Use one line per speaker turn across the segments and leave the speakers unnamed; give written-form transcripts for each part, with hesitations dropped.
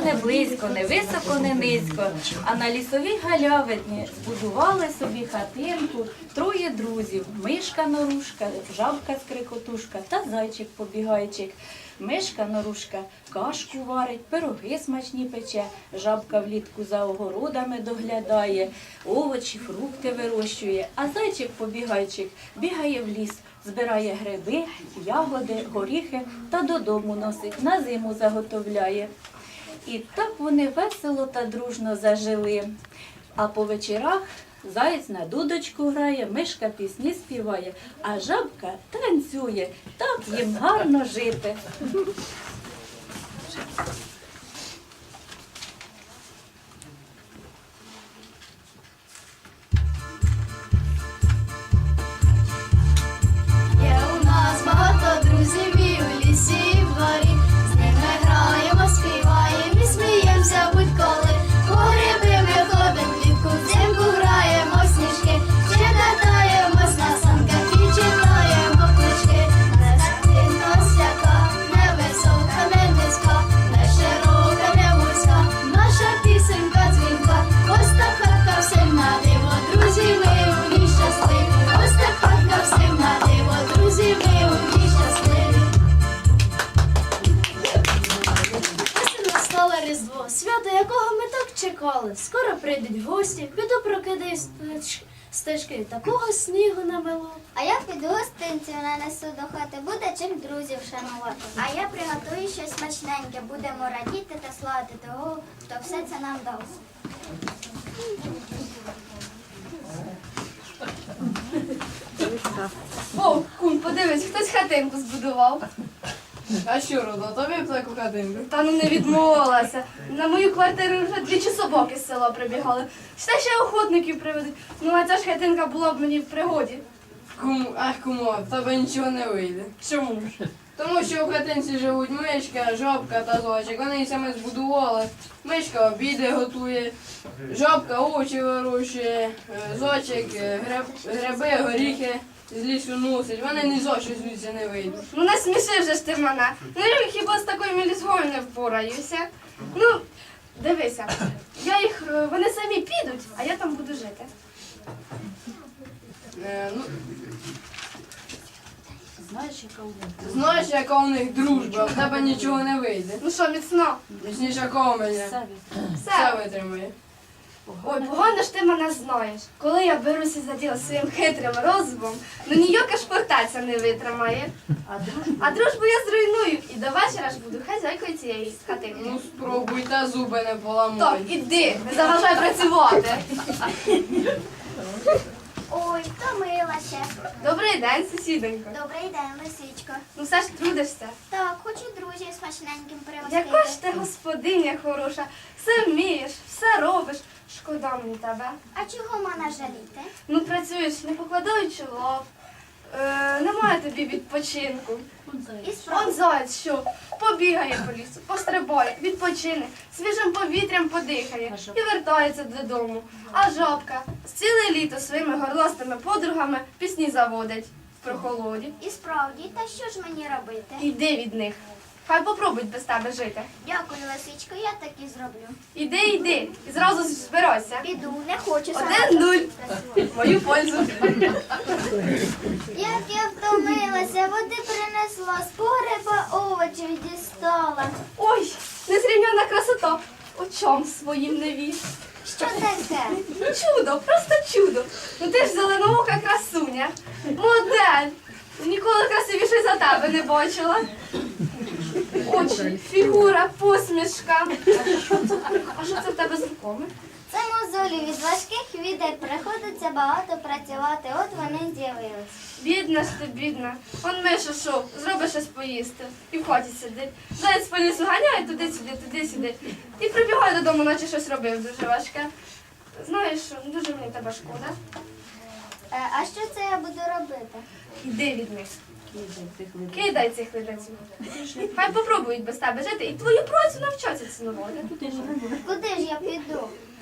не близько, не високо, не низько, а на лісовій галявині збудували собі хатинку троє друзів – мишка Норушка, жабка Скрикотушка та зайчик Побігайчик. Мишка Норушка кашку варить, пироги смачні пече, жабка влітку за огородами доглядає, овочі, фрукти вирощує, а зайчик Побігайчик бігає в ліс, збирає гриби, ягоди, горіхи та додому носить, на зиму заготовляє. І так вони весело та дружно зажили. А по вечорах заєць на дудочку грає, мишка пісні співає, а жабка танцює. Так їм гарно жити.
Є у нас багато друзів і у лісі, і в дворі. З ними граємо, співаємо і сміємося будь-коли. По гриби ми ходимо влітку, взимку граємо в сніжки. Ще катаємось на санках і читаємо книжки. Не сильно сяка, не висока, не низька, не широка, не вузька. Наша пісенька дзвінка, ось та хатка всім на диво. Друзі, ми у ній щасливі, ось та хатка всім на диво. Друзі, ми у ній щасливі. Ось і настало Різдво, свято якого ми так чекали. Скоро прийдуть гості, піду прокидаю стежки, такого снігу намело.
А я піду гостинців нанесу до хати, буде чим друзів шанувати. А я приготую щось смачненьке, будемо радіти та славити того, хто все це нам дав.
О, кум, подивись, хтось хатинку збудував.
А що, Родо, тобі б таку хатинку?
Та ну не відмовилася. На мою квартиру вже двічі собаки з села прибігали. Ще ще охотників приведуть. Ну а ця ж хатинка була б мені в пригоді.
Кумо, в тебе нічого не вийде.
Чому ж?
Тому що в хатинці живуть мишка, жабка та зайчик. Вони її саме збудували. Мишка обіди готує, жабка овочі вирощує, зайчик гриби, горіхи з лісу носить. Вони ні за що звідси не вийдуть.
Ну не сміши вже ж ти мене. Ну я хіба з такою мілізгою не впораюся. Ну, дивися, вони самі підуть, а я там буду жити.
Ну,
Знаєш, яка у них?
знаєш, яка у них дружба, в тебе нічого не вийде.
Ну що, міцно?
Точніше, кого мене. Все
Все.
витримає.
Ой, погано ж ти мене знаєш. Коли я беруся за діло своїм хитрим розумом, ну ніяка шпортаця не витримає. А дружбу я зруйную і до вечора ж буду хазяйкою цієї хатинки.
Ну спробуй, та зуби не поламай.
Так, іди, не заважай працювати.
Ой, втомилася.
Добрий день, сусідонько.
Добрий день, лисичко.
Ну все ж трудишся.
Так, хочу друзів смачненьким привезти.
Яка ж ти господиня хороша, все вмієш, все робиш. Шкода мені тебе.
А чого мене жаліти?
Ну працюєш, не покладаючи лав. Немає тобі відпочинку.
І
Он
справді.
заяць що? Побігає по лісу, пострибає, відпочине, свіжим повітрям подихає і вертається додому. А жабка з ціле літо своїми горластими подругами пісні заводить в прохолоді.
І справді, та що ж мені робити?
Іди від них. Хай попробують без тебе жити.
Дякую, лисичко, я так і зроблю.
Іди, і зразу збирайся.
Піду, не хочу сама
1-0.
працювати.
Мою пользу.
Як я втомилася, води принесла, з погреба овочів дістала.
Ой, незрівняна красота. Очам своїм не вір.
Що таке?
Чудо, просто чудо. Ну ти ж зеленоока красуня. Модель. Ніколи красивіше за тебе не бачила. Очі, фігура, посмішка. А що це в тебе з руками?
Це мозолі від важких відер приходиться багато працювати, от вони з'явились.
Бідна ж ти, бідна. Он Миша шов, зробиш щось поїсти. І в хаті сидить. Заяць по лісу ганяє туди-сюди. І прибігає додому, наче щось робив дуже важке. Знаєш що, дуже мені тебе шкода.
А що це я буду робити?
Іди від них. Кидай цих ледаців. Хай попробують без тебе жити і твою працю навчаться цінувати.
Куди ж я піду?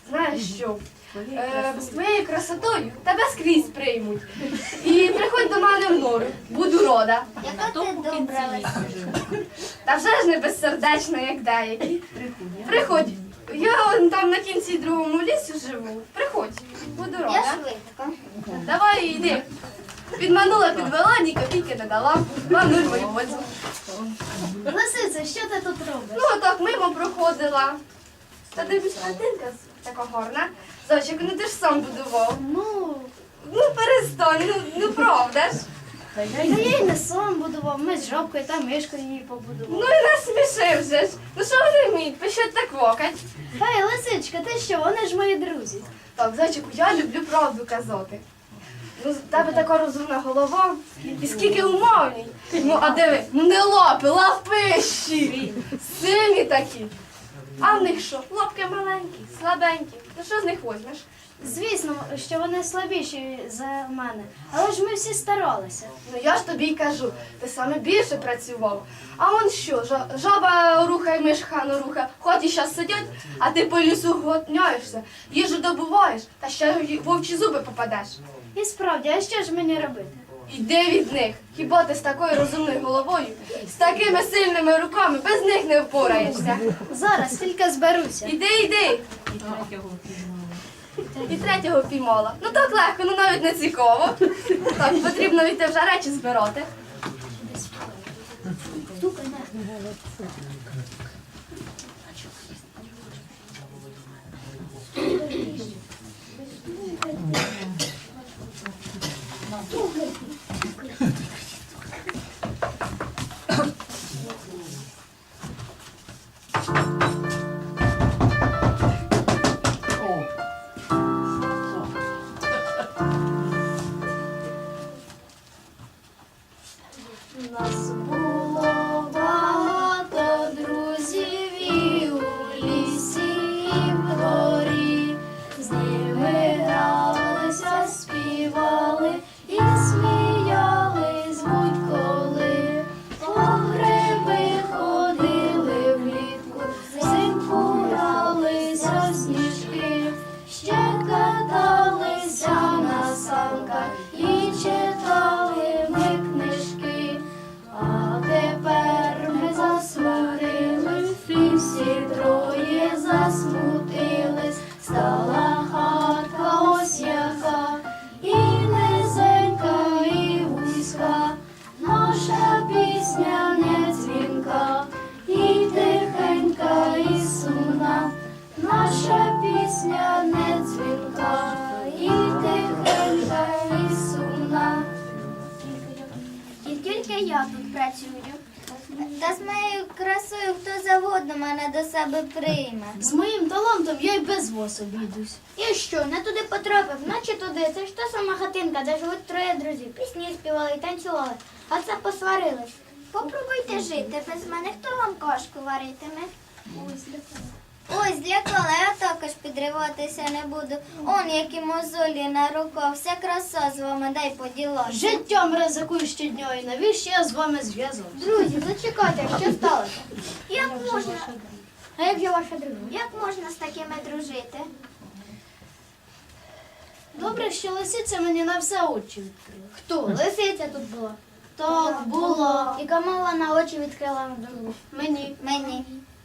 Знаєш що? З твоєю красотою тебе скрізь приймуть. І приходь до мене в нору, буду рода.
Яка ти добра, Лисичко.
Та вже ж не безсердечна, як деякі. Приходь. Я он там на кінці другому лісі живу. Приходь, буду
Я
рода.
швидко.
Давай йди. Підманула, підвела, ні копійки не дала. Вам нуль мою пользу.
Лисице, що ти тут робиш?
Ну, так мимо проходила. Та дивись, хатинка така гарна. Зайчик, ну ти ж сам будував. Ну перестань, ну правда ж.
Та я й не сам будував, ми з жабкою та мишкою її
Ну
побудували.
і насмішив же ж. Ну що вони вміють, пишуть так вокать.
Хай, Лисичка, ти що, вони ж мої друзі.
Так, зайчику, я люблю правду казати. Ну, з тебе така розумна голова, і скільки умовній. Ну, а диви, ну не лапи, лапищі. Сильні такі. А в них що? Лапки маленькі, слабенькі. Ну що з них возьмеш?
Звісно, що вони слабіші за мене, але ж ми всі старалися.
Ну я ж тобі й кажу, ти саме більше працював. А он що, жаба рухає, мишка не рухає, хоч і щас сидять, а ти по лісу готняєшся, їжу добуваєш, та ще й вовчі зуби попадеш.
І справді, а що ж мені робити?
Іди від них. Хіба ти з такою розумною головою, з такими сильними руками, без них не впораєшся.
Зараз тільки зберуся.
Іди. І третього піймала. Ну так легко, ну навіть не цікаво. Так, потрібно йти вже речі збирати.
Нас було багато друзів і у лісі, і в горі. З ними гралися, співали і сміялись будь-коли. По гриби ходили влітку, взимку гралися в сніжки, ще каталися на санках і читали ми книжки. А тепер ми засмутились, і всі троє засмутились. Стала хатка ось яка, і низенька, і вузька. Наша пісня не дзвінка, і тихенька, і сумна. Наша пісня не дзвінка, і тихенька, і сумна.
І тільки я тут працюю. Та з моєю красою хто завгодно мене до себе прийме.
З моїм талантом я й без вас обійдусь.
І що, не туди потрапив, наче туди. Це ж та сама хатинка, де живуть троє друзів. Пісні співали і танцювали, а це посварились. Попробуйте жити без мене, хто вам кашку варитиме? Ось злякала, я також підриватися не буду. Он які мозолі на руках, вся краса з вами, дай поділати.
Життям ризикую щодня, і навіщо я з вами зв'язав?
Друзі, зачекайте, що сталося? Як можна? А як же ваша дружина? Як можна з такими дружити?
Добре, що лисиця мені на все очі відкрила.
Хто? Лисиця тут була.
Так, було.
І кому вона очі відкрила на другу?
Мені.
Мені.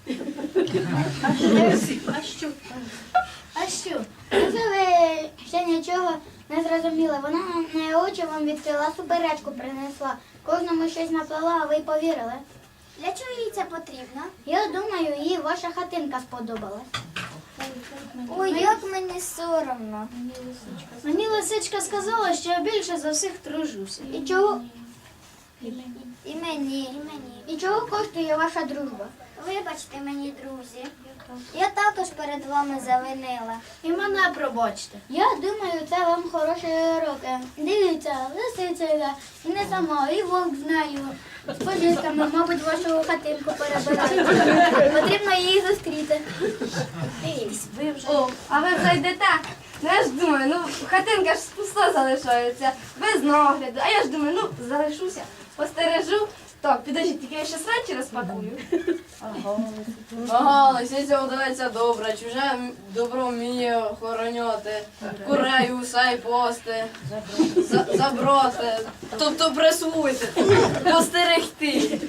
А що? А що?
Якщо ви ще нічого не зрозуміли, вона на очі вам відкрила, суперечку принесла. Кожному щось наплела, а ви й повірили. Для чого їй це потрібно? Я думаю, їй ваша хатинка сподобалась. Ой, як мені соромно.
Мені лисичка сказала, що я більше за всіх тружуся.
І чого? І мені. І чого коштує ваша дружба? Вибачте мені, друзі. Я також перед вами завинила.
І мене пробачте.
Я думаю, це вам хороші уроки. Дивіться, лисиця йде, і не сама, і вовк з нею. З подисками, мабуть, вашу хатинку перебирають. Потрібно її зустріти.
О, а ви вже йдете? Ну я ж думаю, ну хатинка ж пуста залишається, без нагляду. А я ж думаю, ну залишуся, постережу, Так, підождіть, тільки я ще речі розпакую.
Ага, лисиця вдається добра, чуже добро вміє охороняти, курей, гусей пасти, забрати, тобто присвоїти, постерегти.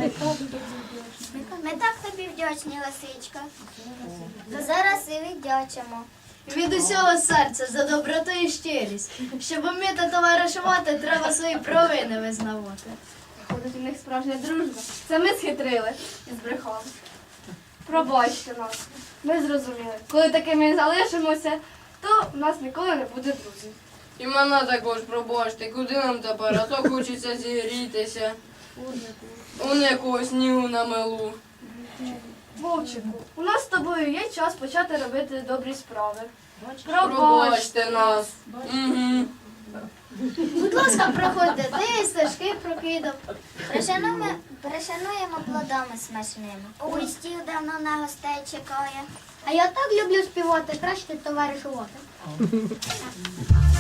Ми так тобі вдячні, лисичка. То зараз і віддячимо.
Від усього серця за доброту і щирість. Щоб вміти товаришувати, треба свої провини визнавати.
Ходить у них справжня дружба. Це ми схитрили і збрехали. Пробачте нас. Ми зрозуміли. Коли такими залишимося, то в нас ніколи не буде друзів.
І мене також пробачте, куди нам тепер, а то хочеться зігрітися. Он якого снігу намелу.
Вовчику, у нас з тобою є час почати робити добрі справи.
Пробачте нас. Угу.
Будь ласка, проходьте, ти стежки прокидав. Пришануємо плодами смачними. Ой, стіл давно на гостей чекає. А я так люблю співати, краще товаришувати.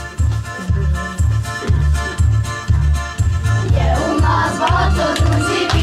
Є у нас багато друзів.